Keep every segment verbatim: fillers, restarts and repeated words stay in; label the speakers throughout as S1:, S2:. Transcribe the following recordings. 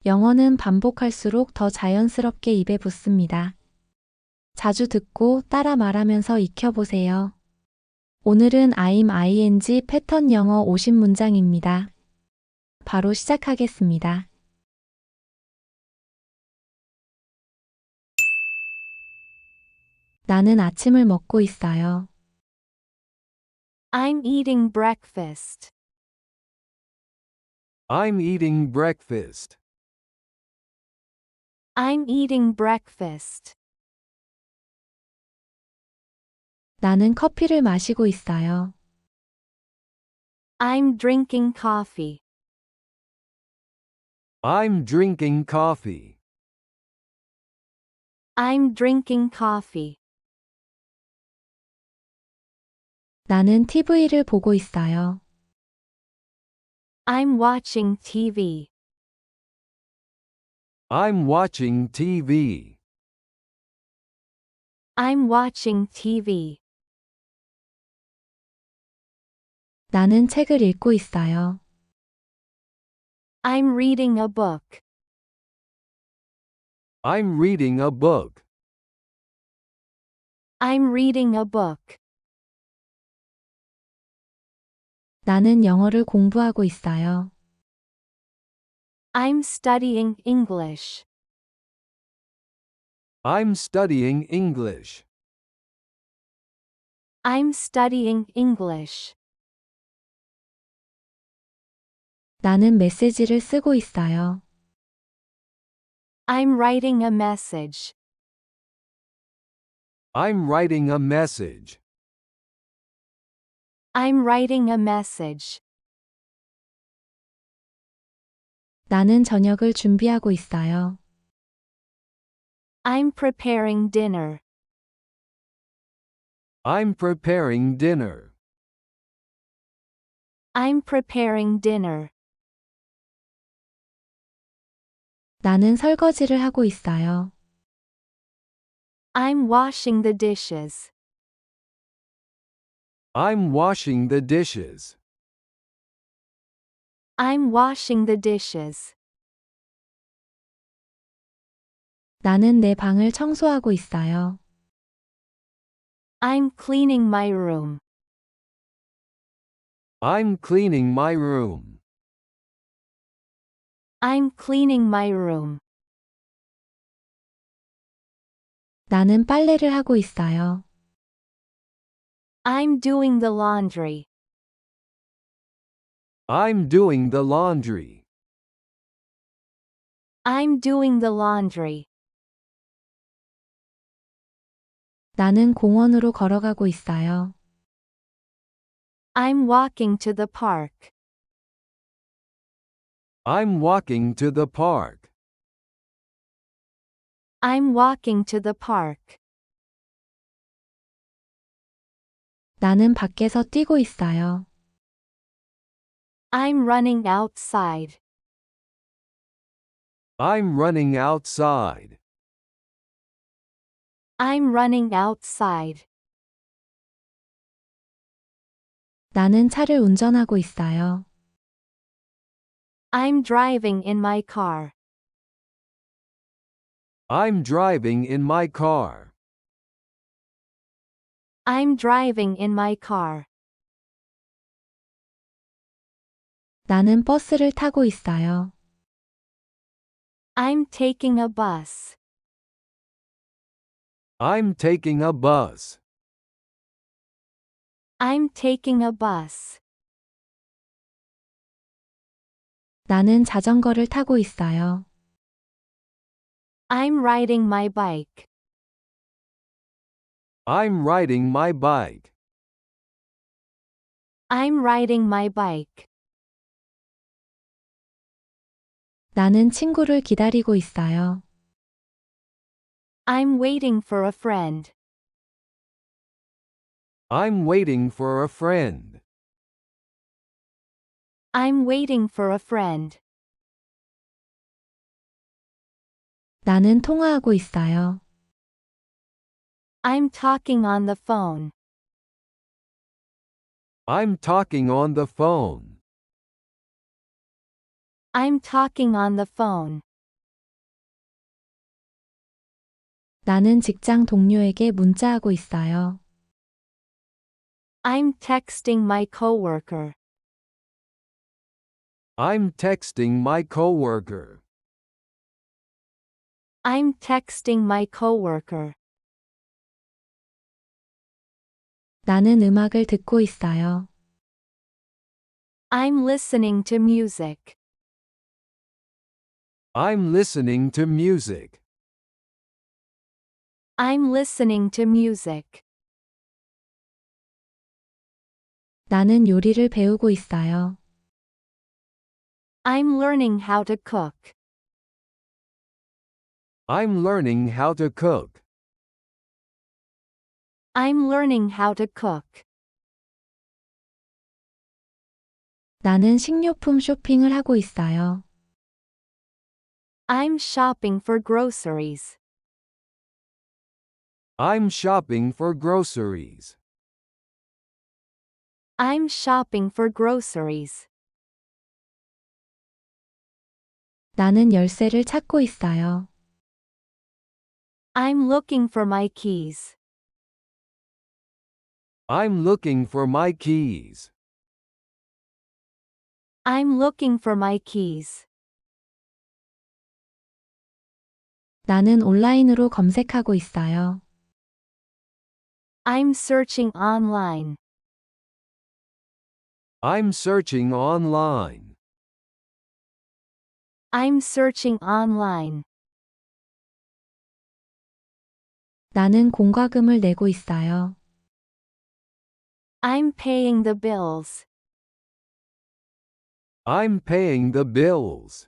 S1: 영어는 반복할수록 더 자연스럽게 입에 붙습니다. 자주 듣고 따라 말하면서 익혀보세요. 오늘은 I'm ing 패턴 영어 오십 문장입니다. 바로 시작하겠습니다. 나는 아침을 먹고 있어요.
S2: I'm eating breakfast.
S3: I'm eating breakfast.
S2: I'm eating breakfast.
S1: 나는 커피를 마시고 있어요.
S2: I'm drinking coffee.
S3: I'm drinking coffee.
S2: I'm drinking coffee.
S1: 나는 티비를 보고 있어요.
S2: I'm watching T V.
S3: I'm watching T V.
S2: I'm watching T V.
S1: 나는 책을 읽고 있어요.
S2: I'm reading a book.
S3: I'm reading a book.
S2: I'm reading a book.
S1: 나는 영어를 공부하고 있어요.
S2: I'm studying English.
S3: I'm studying English.
S2: I'm studying English.
S1: 나는 메시지를 쓰고 있어요.
S2: I'm writing a message.
S3: I'm writing a message.
S2: I'm writing a message.
S1: 나는 저녁을 준비하고 있어요.
S2: I'm preparing dinner.
S3: I'm preparing dinner.
S2: I'm preparing dinner.
S1: 나는 설거지를 하고 있어요.
S2: I'm washing the dishes.
S3: I'm washing the dishes.
S2: I'm washing the dishes.
S1: 나는 내 방을 청소하고 있어요.
S2: I'm cleaning my room.
S3: I'm cleaning my room.
S2: I'm cleaning my room.
S1: 나는 빨래를 하고 있어요.
S2: I'm doing the laundry.
S3: I'm doing the laundry.
S2: I'm doing the laundry.
S1: 나는 공원으로 걸어가고 있어요.
S2: I'm walking to the park.
S3: I'm walking to the park.
S2: I'm walking to the park.
S1: 나는 밖에서 뛰고 있어요.
S2: I'm running outside.
S3: I'm running outside.
S2: I'm running outside.
S1: 나는 차를 운전하고 있어요.
S2: I'm driving in my car.
S3: I'm driving in my car.
S2: I'm driving in my car.
S1: 나는 버스를 타고 있어요.
S2: I'm taking a bus.
S3: I'm taking a bus.
S2: I'm taking a bus.
S1: 나는 자전거를 타고 있어요.
S2: I'm riding my bike.
S3: I'm riding my bike.
S2: I'm riding my bike.
S1: 나는 친구를 기다리고 있어요.
S2: I'm waiting for a friend.
S3: I'm waiting for a friend.
S2: I'm waiting for a friend.
S1: 나는 통화하고 있어요.
S2: I'm talking on the phone.
S3: I'm talking on the phone.
S2: I'm talking on the phone.
S1: 나는 직장 동료에게 문자하고 있어요.
S2: I'm texting my coworker.
S3: I'm texting my coworker.
S2: I'm texting my coworker.
S1: 나는 음악을 듣고 있어요.
S2: I'm listening to music.
S3: I'm listening to music.
S2: I'm listening to music.
S1: 나는 요리를 배우고 있어요.
S2: I'm learning how to cook.
S3: I'm learning how to cook.
S2: I'm learning how to cook.
S1: 나는 식료품 쇼핑을 하고 있어요.
S2: I'm shopping for groceries.
S3: I'm shopping for groceries.
S2: I'm shopping for groceries.
S1: 나는 열쇠를 찾고 있어요.
S2: I'm looking for my keys.
S3: I'm looking for my keys.
S2: I'm looking for my keys.
S1: 나는 온라인으로 검색하고 있어요.
S2: I'm searching online.
S3: I'm searching online.
S2: I'm searching online.
S1: 나는 공과금을 내고 있어요.
S2: I'm paying the bills.
S3: I'm paying the bills.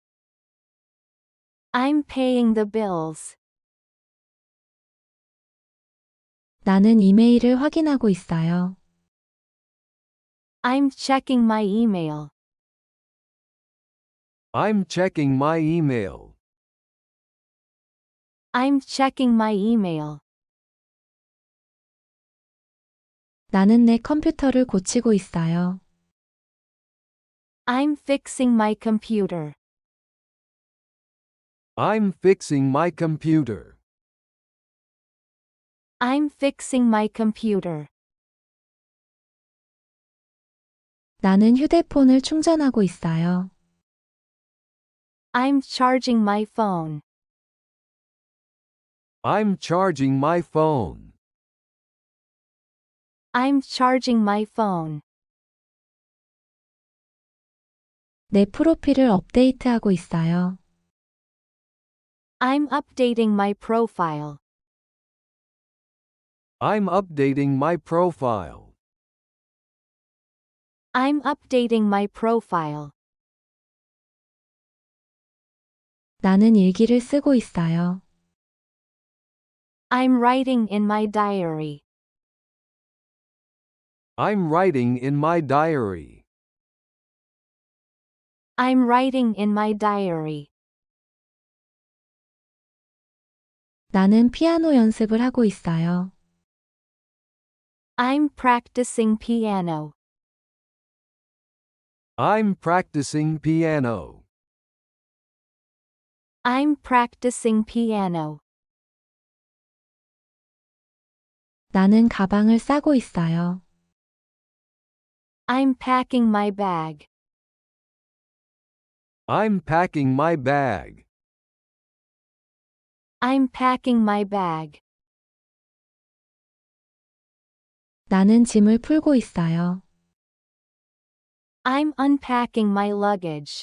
S2: I'm paying the bills.
S1: 나는 이메일을 확인하고 있어요.
S2: I'm checking my email.
S3: I'm checking my email.
S2: I'm checking my email.
S1: 나는 내 컴퓨터를 고치고 있어요.
S2: I'm fixing my computer.
S3: I'm fixing my computer.
S2: I'm fixing my computer.
S1: 나는 휴대폰을 충전하고 있어요.
S2: I'm charging my phone.
S3: I'm charging my phone.
S2: I'm charging my phone.
S1: 내 프로필을 업데이트하고 있어요.
S2: I'm updating my profile.
S3: I'm updating my profile.
S2: I'm updating my profile.
S1: 나는 일기를 쓰고 있어요.
S2: I'm writing in my diary.
S3: I'm writing in my diary.
S2: I'm writing in my diary.
S1: 나는 피아노 연습을 하고 있어요.
S2: I'm practicing piano.
S3: I'm practicing piano.
S2: I'm practicing piano.
S1: 나는 가방을 싸고 있어요.
S2: I'm packing my bag.
S3: I'm packing my bag.
S2: I'm packing my bag.
S1: 나는 짐을 풀고 있어요.
S2: I'm unpacking my luggage.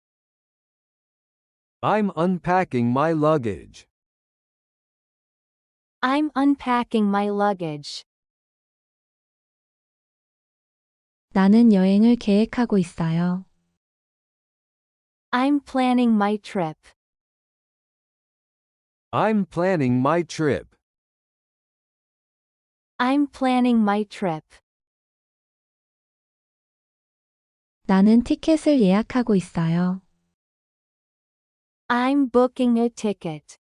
S3: I'm unpacking my luggage.
S2: I'm unpacking my luggage.
S1: 나는 여행을 계획하고 있어요.
S2: I'm planning my trip.
S3: I'm planning my trip.
S2: I'm planning my trip.
S1: 나는 티켓을 예약하고 있어요.
S2: I'm booking a ticket.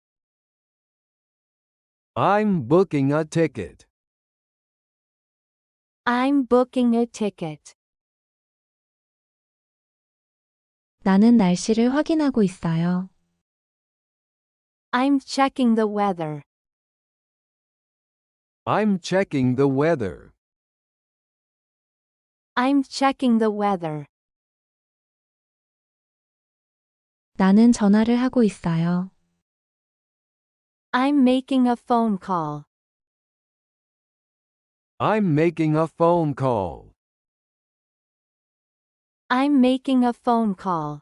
S3: I'm booking a ticket.
S2: I'm booking a ticket.
S1: 나는 날씨를 확인하고 있어요.
S2: I'm checking the weather.
S3: I'm checking the weather.
S2: I'm checking the weather.
S1: 나는 전화를 하고 있어요.
S2: I'm making a phone call.
S3: I'm making a phone call.
S2: I'm making a phone call.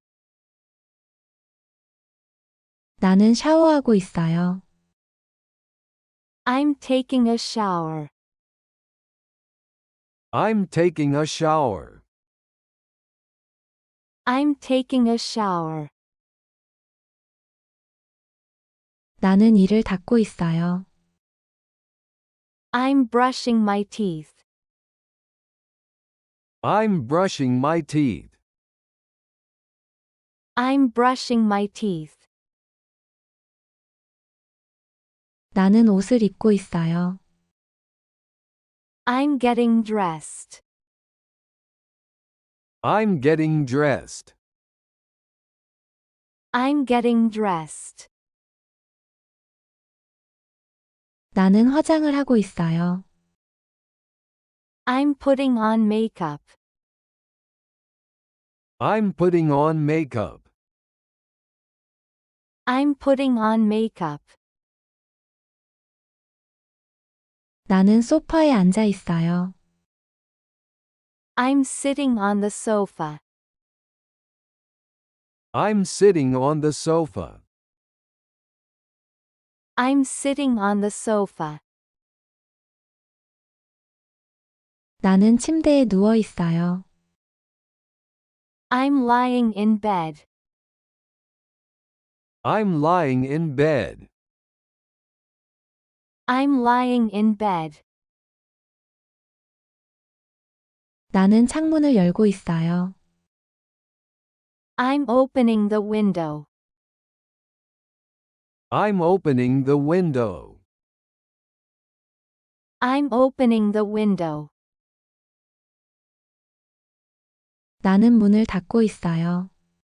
S1: 나는 샤워하고 있어요.
S2: I'm taking a shower.
S3: I'm taking a shower.
S2: I'm taking a shower.
S1: 나는 이를 닦고 있어요.
S2: I'm brushing my teeth.
S3: I'm brushing my teeth.
S2: I'm brushing my teeth.
S1: 나는 옷을 입고 있어요.
S2: I'm getting dressed.
S3: I'm getting dressed.
S2: I'm getting dressed.
S1: 나는 화장을 하고 있어요.
S2: I'm putting on makeup.
S3: I'm putting on makeup.
S2: I'm putting on makeup.
S1: 나는 소파에 앉아 있어요.
S2: I'm sitting on the sofa.
S3: I'm sitting on the sofa.
S2: I'm sitting on the sofa.
S1: 나는 침대에 누워 있어요.
S2: I'm lying in bed.
S3: I'm lying in bed.
S2: I'm lying in bed.
S1: 나는 창문을 열고 있어요.
S2: I'm opening the window.
S3: I'm opening the window.
S2: I'm opening the window.
S1: 나는 문을 닫고 있어요.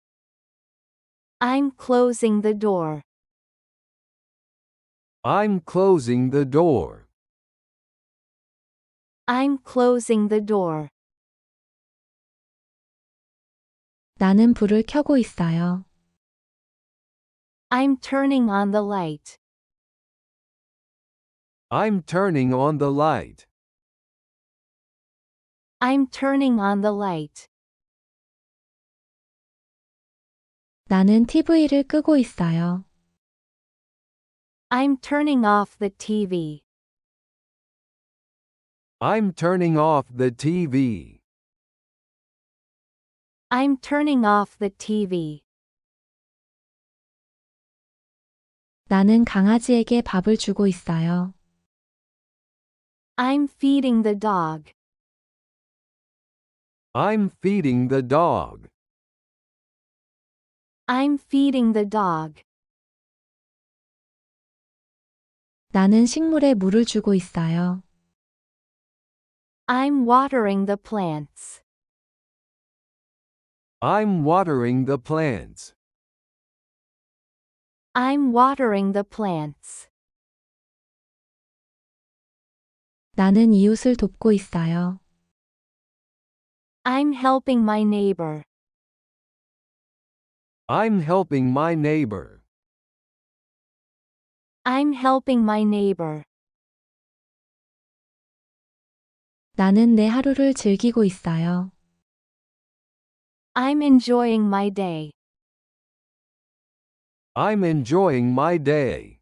S2: I'm closing the door.
S3: I'm closing the door.
S2: I'm closing the door.
S1: 나는 불을 켜고 있어요.
S2: I'm turning on the light.
S3: I'm turning on the light.
S2: I'm turning on the light.
S1: 나는 티비를 끄고 있어요.
S2: I'm turning off the T V.
S3: I'm turning off the T V.
S2: I'm turning off the T V.
S1: 나는 강아지에게 밥을 주고 있어요.
S2: I'm feeding the dog.
S3: I'm feeding the dog.
S2: I'm feeding the dog.
S1: 나는 식물에 물을 주고 있어요.
S2: I'm watering the plants.
S3: I'm watering the plants.
S2: I'm watering the plants.
S1: 나는 이웃을 돕고 있어요.
S2: I'm helping my neighbor.
S3: I'm helping my neighbor.
S2: I'm helping my neighbor.
S1: 나는 내 하루를 즐기고 있어요.
S2: I'm enjoying my day.
S3: I'm enjoying my day.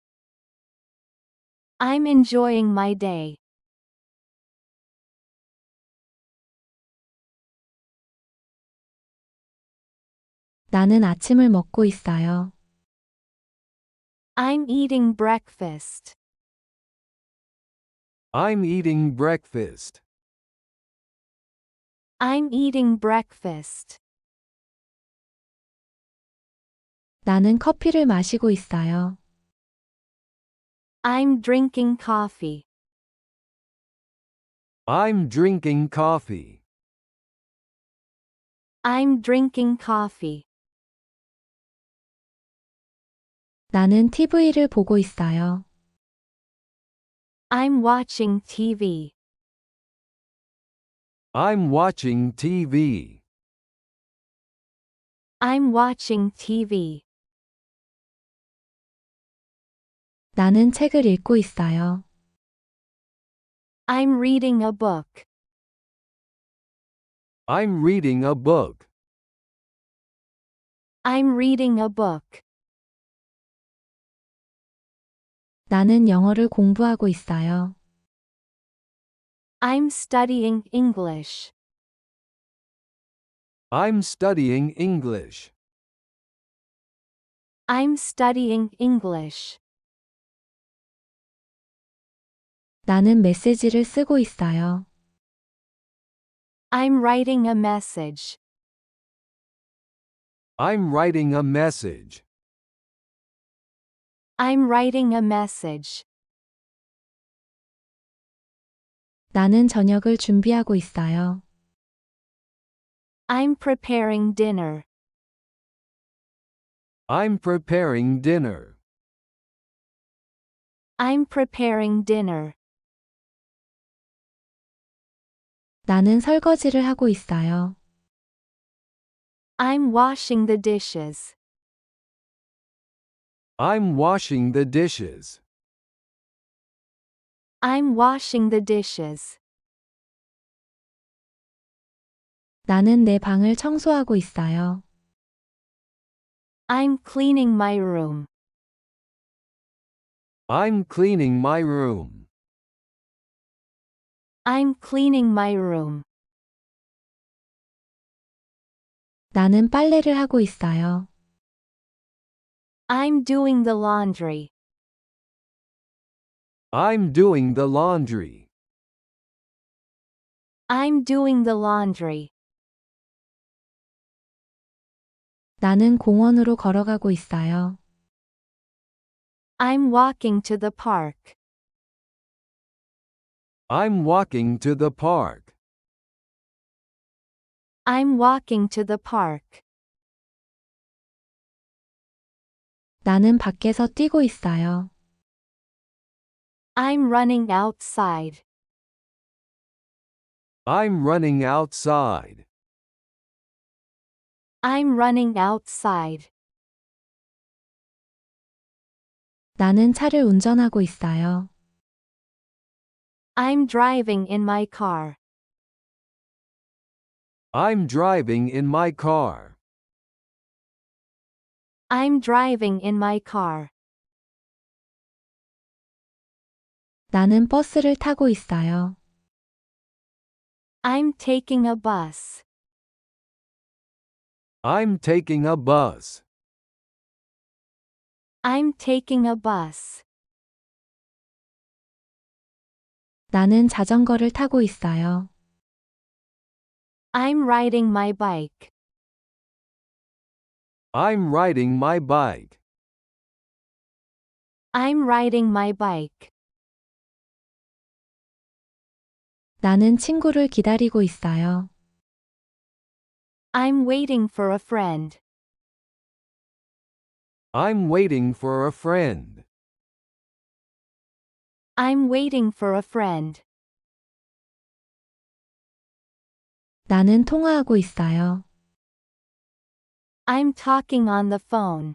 S2: I'm enjoying my day.
S1: 나는 아침을 먹고 있어요.
S2: I'm eating breakfast.
S3: I'm eating breakfast.
S2: I'm eating breakfast.
S1: 나는 커피를 마시고 있어요.
S2: I'm drinking coffee.
S3: I'm drinking coffee.
S2: I'm drinking coffee.
S1: 나는 티비를 보고 있어요.
S2: I'm watching T V.
S3: I'm watching T V.
S2: I'm watching T V.
S1: 나는 책을 읽고 있어요.
S2: I'm reading a book.
S3: I'm reading a book.
S2: I'm reading a book.
S1: 나는 영어를 공부하고 있어요.
S2: I'm studying English.
S3: I'm studying English.
S2: I'm studying English.
S1: 나는 메시지를 쓰고 있어요.
S2: I'm writing a message.
S3: I'm writing a message.
S2: I'm writing a message.
S1: 나는 저녁을 준비하고 있어요.
S2: I'm preparing dinner.
S3: I'm preparing dinner.
S2: I'm preparing dinner.
S1: 나는 설거지를 하고 있어요.
S2: I'm washing the dishes.
S3: I'm washing the dishes.
S2: I'm washing the dishes.
S1: 나는 내 방을 청소하고 있어요.
S2: I'm cleaning my room.
S3: I'm cleaning my room.
S2: I'm cleaning my room.
S1: 나는 빨래를 하고 있어요.
S2: I'm doing the laundry.
S3: I'm doing the laundry.
S2: I'm doing the laundry.
S1: 나는 공원으로 걸어가고 있어요.
S2: I'm walking to the park.
S3: I'm walking to the park.
S2: I'm walking to the park.
S1: 나는 밖에서 뛰고 있어요.
S2: I'm running outside.
S3: I'm running outside.
S2: I'm running outside.
S1: 나는 차를 운전하고 있어요.
S2: I'm driving in my car.
S3: I'm driving in my car.
S2: I'm driving in my car.
S1: 나는 버스를 타고 있어요.
S2: I'm taking a bus.
S3: I'm taking a bus.
S2: I'm taking a bus.
S1: 나는 자전거를 타고 있어요.
S2: I'm riding my bike.
S3: I'm riding my bike.
S2: I'm riding my bike.
S1: 나는 친구를 기다리고 있어요.
S2: I'm waiting for a friend.
S3: I'm waiting for a friend.
S2: I'm waiting for a friend.
S1: 나는 통화하고 있어요.
S2: I'm talking on the phone.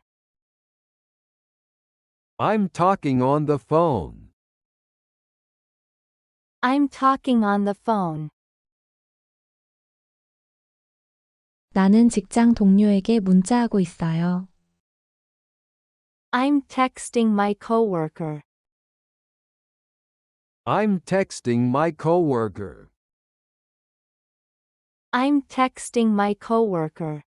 S3: I'm talking on the phone.
S2: I'm talking on the phone.
S1: 나는 직장 동료에게 문자하고 있어요.
S2: I'm texting my coworker.
S3: I'm texting my coworker.
S2: I'm texting my coworker.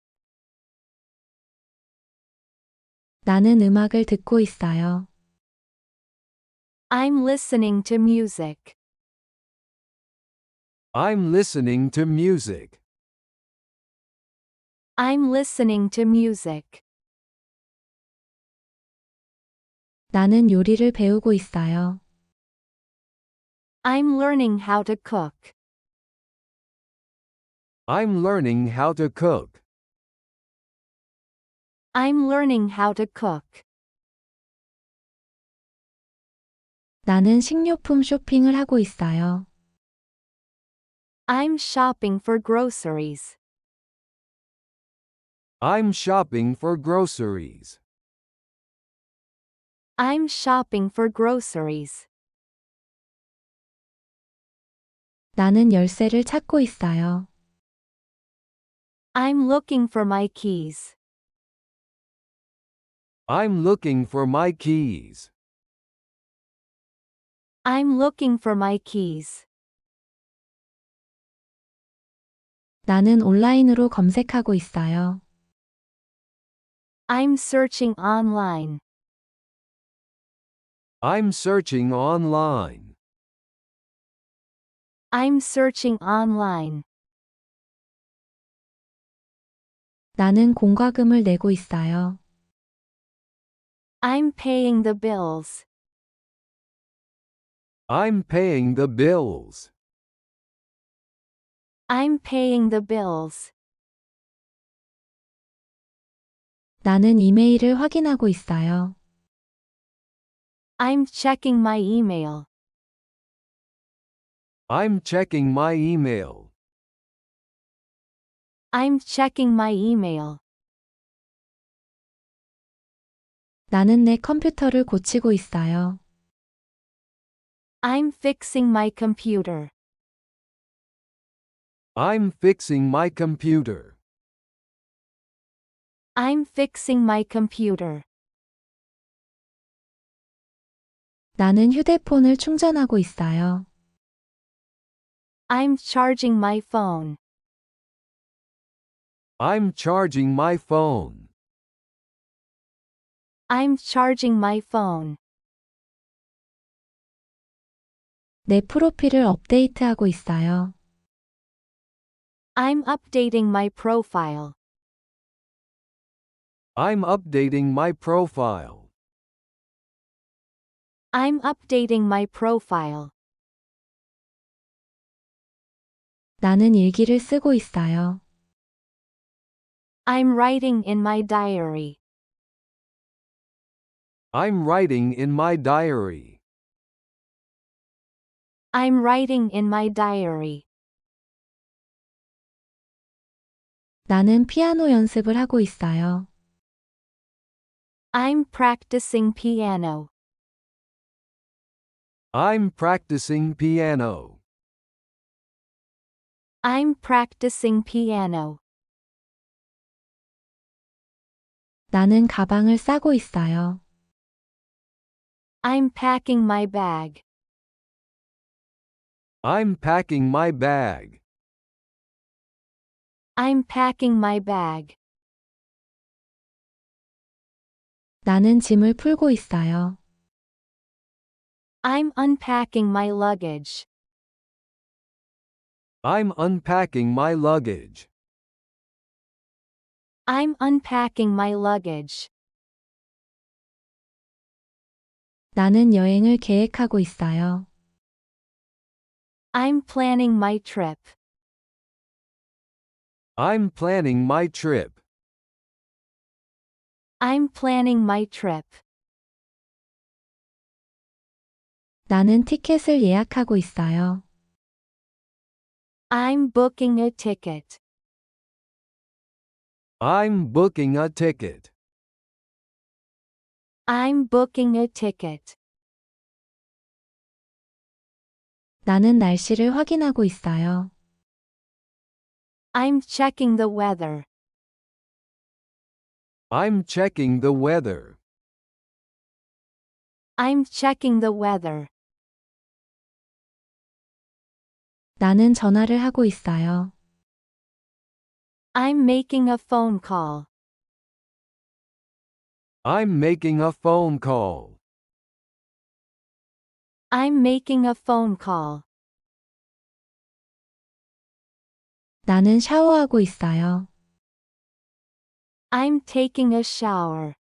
S1: 나는 음악을 듣고 있어요.
S2: I'm listening to music.
S3: I'm listening to music.
S2: I'm listening to music.
S1: 나는 요리를 배우고 있어요.
S2: I'm learning how to cook.
S3: I'm learning how to cook.
S2: I'm learning how to cook.
S1: 나는 식료품 쇼핑을 하고 있어요.
S2: I'm shopping for groceries.
S3: I'm shopping for groceries.
S2: I'm shopping for groceries.
S1: 나는 열쇠를 찾고 있어요.
S2: I'm looking for my keys.
S3: I'm looking for my keys.
S2: I'm looking for my keys.
S1: 나는 온라인으로 검색하고 있어요.
S2: I'm searching online.
S3: I'm searching online.
S2: I'm searching online.
S1: 나는 공과금을 내고 있어요.
S2: I'm paying the bills.
S3: I'm paying the bills.
S2: I'm paying the bills.
S1: 나는 이메일을 확인하고 있어요.
S2: I'm checking my email.
S3: I'm checking my email.
S2: I'm checking my email.
S1: 나는 내 컴퓨터를 고치고 있어요.
S2: I'm fixing my computer.
S3: I'm fixing my computer.
S2: I'm fixing my computer.
S1: 나는 휴대폰을 충전하고 있어요.
S2: I'm charging my phone.
S3: I'm charging my phone.
S2: I'm charging my phone.
S1: 내 프로필을 업데이트하고 있어요.
S2: I'm updating my profile.
S3: I'm updating my profile.
S2: I'm updating my profile.
S1: 나는 일기를 쓰고 있어요.
S2: I'm writing in my diary.
S3: I'm writing in my diary.
S2: I'm writing in my diary.
S1: 나는 피아노 연습을 하고 있어요.
S2: I'm practicing piano.
S3: I'm practicing piano.
S2: I'm practicing piano.
S1: 나는 가방을 싸고 있어요.
S2: I'm packing my bag.
S3: I'm packing my bag.
S2: I'm packing my bag.
S1: 나는 짐을 풀고 있어요.
S2: I'm unpacking my luggage.
S3: I'm unpacking my luggage.
S2: I'm unpacking my luggage.
S1: 나는 여행을 계획하고 있어요.
S2: I'm planning my trip.
S3: I'm planning my trip.
S2: I'm planning my trip.
S1: 나는 티켓을 예약하고 있어요.
S2: I'm booking a ticket.
S3: I'm booking a ticket.
S2: I'm booking a ticket.
S1: 나는 날씨를 확인하고 있어요.
S2: I'm checking the weather.
S3: I'm checking the weather.
S2: I'm checking the weather.
S1: 나는 전화를 하고 있어요.
S2: I'm making a phone call.
S3: I'm making a phone call.
S2: I'm making a phone call.
S1: 나는 샤워하고 있어요.
S2: I'm taking a shower.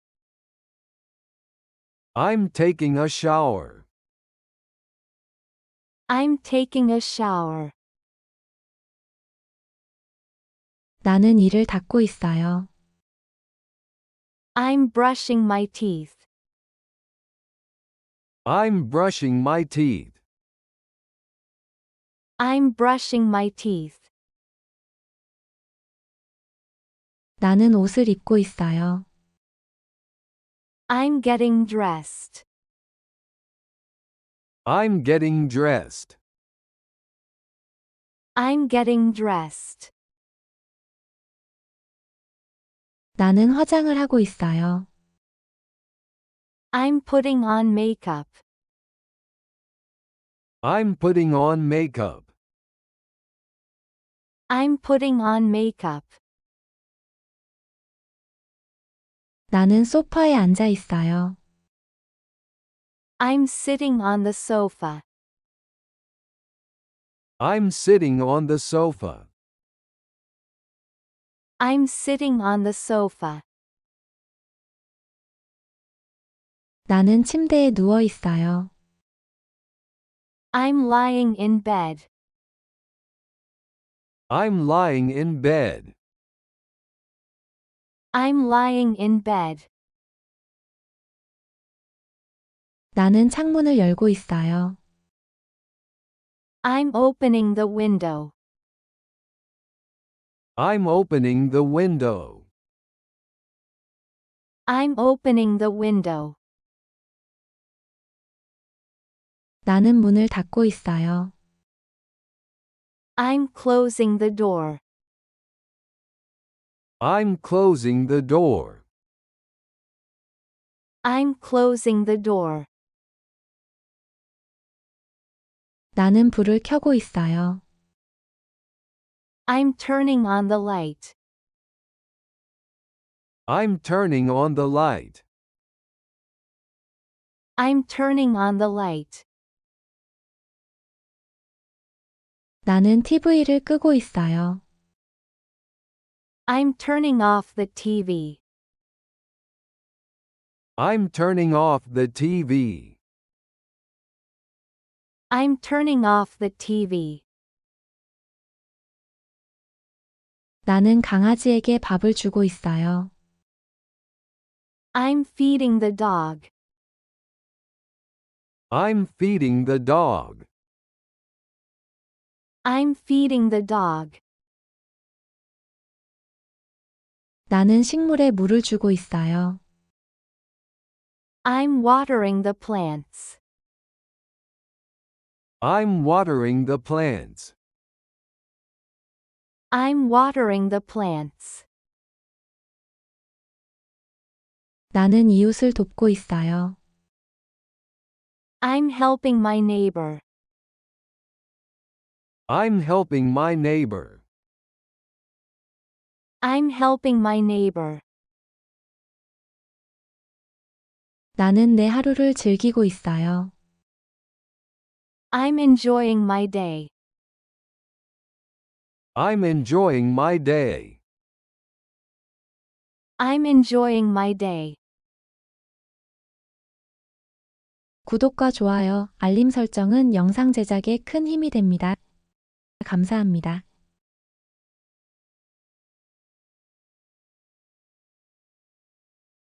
S3: I'm taking a shower.
S2: I'm taking a shower.
S1: 나는 이를 닦고 있어요.
S2: I'm brushing my teeth.
S3: I'm brushing my teeth.
S2: I'm brushing my teeth.
S1: 나는 옷을 입고 있어요.
S2: I'm getting dressed.
S3: I'm getting dressed.
S2: I'm getting dressed.
S1: 나는 화장을 하고 있어요.
S2: I'm putting on makeup.
S3: I'm putting on makeup.
S2: I'm putting on makeup.
S1: 나는 소파에 앉아 있어요.
S2: I'm sitting on the sofa.
S3: I'm sitting on the sofa.
S2: I'm sitting on the sofa.
S1: 나는 침대에 누워 있어요.
S2: I'm lying in bed.
S3: I'm lying in bed.
S2: I'm lying in bed.
S1: 나는 창문을 열고 있어요.
S2: I'm opening the window.
S3: I'm opening the window.
S2: I'm opening the window.
S1: 나는 문을 닫고 있어요.
S2: I'm closing the door.
S3: I'm closing the door.
S2: I'm closing the door.
S1: 나는 불을 켜고 있어요.
S2: I'm turning on the light.
S3: I'm turning on the light.
S2: I'm turning on the light.
S1: 나는 티비를 끄고 있어요.
S2: I'm turning off the T V.
S3: I'm turning off the T V.
S2: I'm turning off the T V.
S1: 나는 강아지에게 밥을 주고 있어요.
S2: I'm feeding the dog.
S3: I'm feeding the dog.
S2: I'm feeding the dog.
S1: 나는 식물에 물을 주고 있어요.
S2: I'm watering the plants.
S3: I'm watering the plants.
S2: I'm watering the plants.
S1: 나는 이웃을 돕고 있어요.
S2: I'm helping my neighbor.
S3: I'm helping my neighbor.
S2: I'm helping my neighbor.
S1: 나는 내 하루를 즐기고 있어요.
S2: I'm enjoying my day.
S3: I'm enjoying my day.
S2: I'm enjoying my day.
S1: 구독과 좋아요, 알림 설정은 영상 제작에 큰 힘이 됩니다. 감사합니다.